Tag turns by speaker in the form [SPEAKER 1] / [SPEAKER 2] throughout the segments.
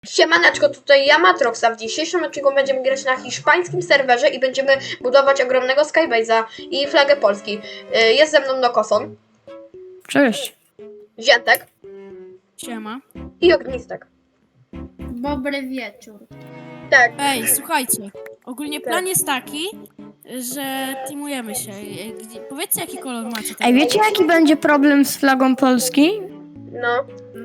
[SPEAKER 1] Siemaneczko, tutaj ja Matrox, a w dzisiejszym odcinku będziemy grać na hiszpańskim serwerze i będziemy budować ogromnego Skybase'a i flagę Polski. Jest ze mną Nokoson,
[SPEAKER 2] Cześć.
[SPEAKER 1] Ziętek
[SPEAKER 2] Siema.
[SPEAKER 1] i Ognistek.
[SPEAKER 3] Dobry wieczór.
[SPEAKER 1] Tak,
[SPEAKER 2] Ej, słuchajcie. Ogólnie plan jest taki, że teamujemy się. Powiedzcie, jaki kolor macie.
[SPEAKER 4] Ej, wiecie jaki będzie problem z flagą Polski?
[SPEAKER 1] no.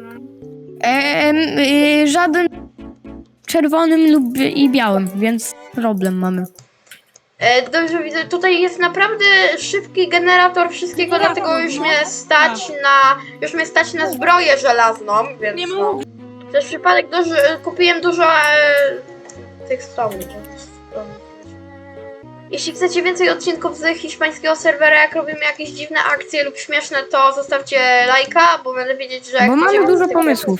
[SPEAKER 4] Żaden czerwonym lub i białym, więc problem mamy.
[SPEAKER 1] Dobrze widzę, tutaj jest naprawdę szybki generator wszystkiego,
[SPEAKER 2] Generator,
[SPEAKER 1] dlatego już
[SPEAKER 2] no.
[SPEAKER 1] mnie stać na zbroję żelazną, więc
[SPEAKER 2] Nie
[SPEAKER 1] no. Przez przypadek kupiłem dużo tych stron. Jeśli chcecie więcej odcinków z hiszpańskiego serwera, jak robimy jakieś dziwne akcje lub śmieszne, to zostawcie lajka, bo będę wiedzieć, że...
[SPEAKER 4] Bo mamy dużo
[SPEAKER 1] z tych-
[SPEAKER 4] pomysłów.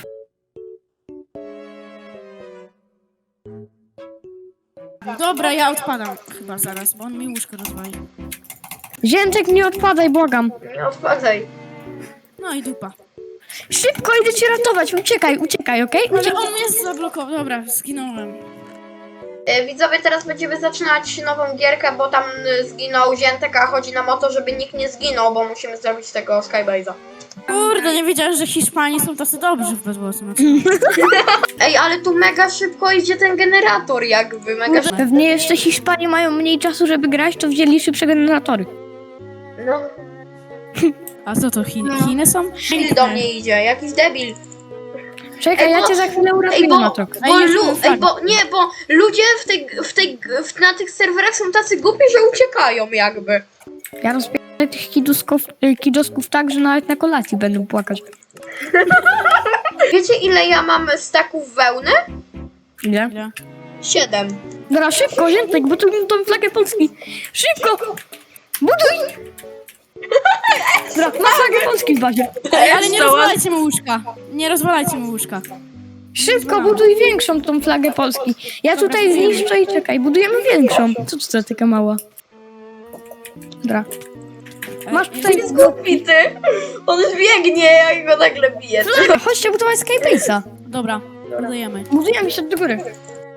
[SPEAKER 2] Dobra, ja odpadam chyba zaraz, bo on mi łóżko rozwali.
[SPEAKER 4] Ziętek, nie odpadaj, błagam.
[SPEAKER 1] Nie odpadaj.
[SPEAKER 2] No i dupa.
[SPEAKER 4] Szybko, idę cię ratować, uciekaj, okej?
[SPEAKER 2] Ale
[SPEAKER 4] Uciekaj.
[SPEAKER 2] on mnie zablokował. Dobra, zginąłem.
[SPEAKER 1] Widzowie, teraz będziemy zaczynać nową gierkę, bo tam zginął Ziętek, a chodzi nam o to, żeby nikt nie zginął, bo musimy zrobić tego Skybase'a.
[SPEAKER 2] Kurde, nie wiedziałem, że Hiszpanie są tacy dobrzy w bezwłosy.
[SPEAKER 1] Ej, ale tu mega szybko idzie ten generator jakby, mega szybko.
[SPEAKER 4] Pewnie jeszcze Hiszpanie mają mniej czasu, żeby grać, to wzięli szybsze generatory.
[SPEAKER 1] No,
[SPEAKER 2] A co to, Chiny są?
[SPEAKER 1] debil do mnie idzie, jakiś debil.
[SPEAKER 4] Czekaj,
[SPEAKER 1] Ej, bo-
[SPEAKER 4] ja cię za chwilę uratuję,
[SPEAKER 1] Ej, bo,
[SPEAKER 4] Matrox.
[SPEAKER 1] bo ludzie na tych serwerach są tacy głupi, że uciekają jakby.
[SPEAKER 4] Ja rozpierdolę tych kidosków tak, że nawet na kolacji będą płakać.
[SPEAKER 1] Wiecie ile ja mam staków wełny?
[SPEAKER 4] Ile?
[SPEAKER 2] Ile?
[SPEAKER 1] 7.
[SPEAKER 4] Dobra, szybko, Ziętek, bo tu tą flagę Polski. Szybko! Buduj! Dobra, ma flagę Polski w bazie.
[SPEAKER 2] Ej, ale nie rozwalajcie mu łóżka. Nie rozwalajcie mu łóżka.
[SPEAKER 4] Szybko, buduj większą tą flagę Polski. Ja tutaj zniszczę i czekaj, budujemy większą. Co to za taka mała? Dobra. Masz tutaj...
[SPEAKER 1] Jest głupi ty! On już biegnie, jak go nagle bije.
[SPEAKER 4] Chodźcie budować Skybase'a.
[SPEAKER 2] Dobra, budujemy.
[SPEAKER 4] Budujemy się do góry.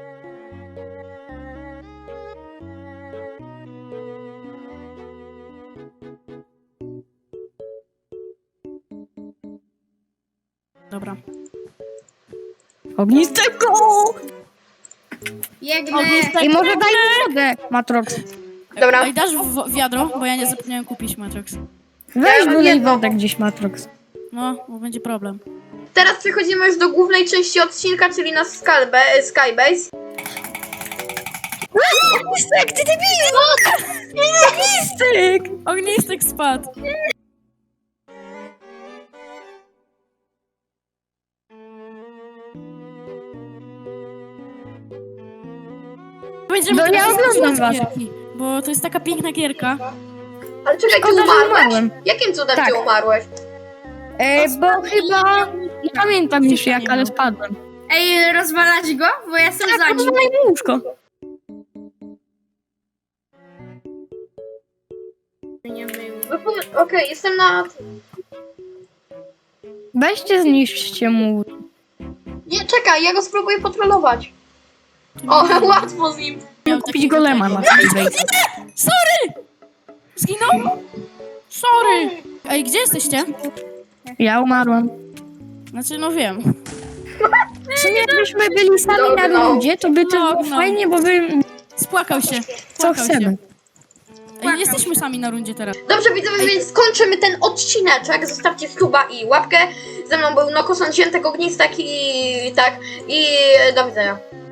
[SPEAKER 2] Dobra.
[SPEAKER 4] Ognistego!
[SPEAKER 3] Biegnę.
[SPEAKER 4] I może daj mi wodę, Matrox.
[SPEAKER 1] Dobra,
[SPEAKER 2] Ej, dasz wiadro, bo ja nie zapomniałem kupić Matrix.
[SPEAKER 4] Weź
[SPEAKER 1] mam
[SPEAKER 4] dolej
[SPEAKER 1] jedno.
[SPEAKER 4] wodę gdzieś, Matrox.
[SPEAKER 2] No, bo będzie problem.
[SPEAKER 1] teraz przechodzimy już do głównej części odcinka, czyli na Skybase.
[SPEAKER 4] Ognistek, ty debilu! Ognistek!
[SPEAKER 2] Ognistek spadł. Będziemy
[SPEAKER 4] No ja
[SPEAKER 2] teraz
[SPEAKER 4] oglądam
[SPEAKER 2] zaczynać
[SPEAKER 4] was.
[SPEAKER 2] gierki, bo to jest taka piękna gierka.
[SPEAKER 1] Ale czekaj, ty
[SPEAKER 4] Szkoda, że
[SPEAKER 1] umarłeś?
[SPEAKER 4] umarłem.
[SPEAKER 1] Jakim cudem
[SPEAKER 4] Tak.
[SPEAKER 1] ty umarłeś?
[SPEAKER 4] Bo chyba... Nie pamiętam już jak, ale spadłem.
[SPEAKER 3] Ej, rozwalać go? Bo ja jestem za
[SPEAKER 4] Tak,
[SPEAKER 3] nim.
[SPEAKER 4] rozwalaj mu łóżko.
[SPEAKER 3] Nie mył.
[SPEAKER 1] Okej, jestem na...
[SPEAKER 4] Weźcie, zniszczcie mu.
[SPEAKER 1] Nie, czekaj, ja go spróbuję potrolować. O, łatwo z nim.
[SPEAKER 2] Miał
[SPEAKER 4] Kupić
[SPEAKER 2] takiego
[SPEAKER 4] golema
[SPEAKER 2] tego.
[SPEAKER 4] na Skybase.
[SPEAKER 2] Sorry! Zginął? Sorry! Ej, gdzie jesteście?
[SPEAKER 4] Ja umarłam.
[SPEAKER 2] Znaczy, no wiem.
[SPEAKER 4] W sumie jakbyśmy byli sami na
[SPEAKER 1] No.
[SPEAKER 4] rundzie, to by to było
[SPEAKER 2] No.
[SPEAKER 4] fajnie, bo by...
[SPEAKER 2] Spłakał się.
[SPEAKER 4] Co
[SPEAKER 2] Płakał
[SPEAKER 4] chcemy.
[SPEAKER 2] Się. Ej, jesteśmy sami na rundzie teraz.
[SPEAKER 1] Dobrze widzowie, więc skończymy ten odcineczek. Zostawcie suba i łapkę. Ze mną był Nokoson, Ziętek, Ognistek i tak. I do widzenia.